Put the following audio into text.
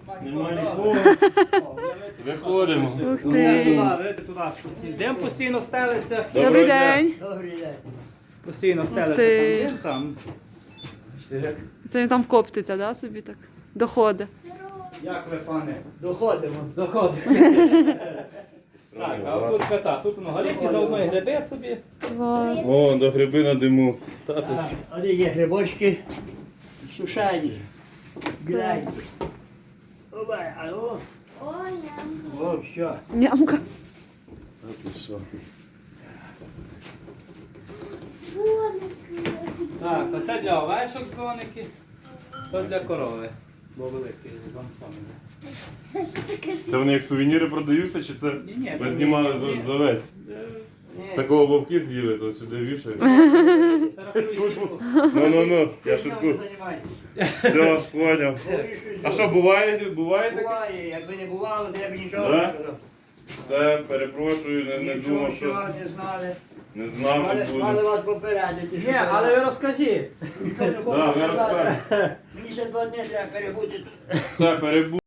Нема нікого. Виходимо. Ух Це ти. туди, видите, туди. Дим постійно стелиться. Добрий день. Добрий день. Постійно стелиться ти. там. Це він там коптиться, да, собі так? Доходить. Як ви, пане? Доходимо. Доходите. Так, а тут кота. Тут воно горіхи, заодно і гриби собі. Клас. О, до гриби на диму. Вони є грибочки сушені. Глянь. Оба, а о, о, все. Нямка. А ти що? Так, то це для овечок дзвоники, то для корови. Бо великий вам саме. Це вони як сувеніри продаються, чи це Ні-ні, ви це знімали ні. з овець? Це кого вовки з'їли, то сюди вішають. Ну, я шутку. Все, поняв. А що, буває таке? Буває, якби не бувало, то я б нічого Да? не казав. Все, перепрошую, не Нічого, думав, що що не знали. не знав, Мали що буде. вас попередити. що Ні, це. але ви розкажіть. Ніхто не Да, хоче ви казати. розкажете. Мені ще 2 дні треба перебути тут. Все, перебув.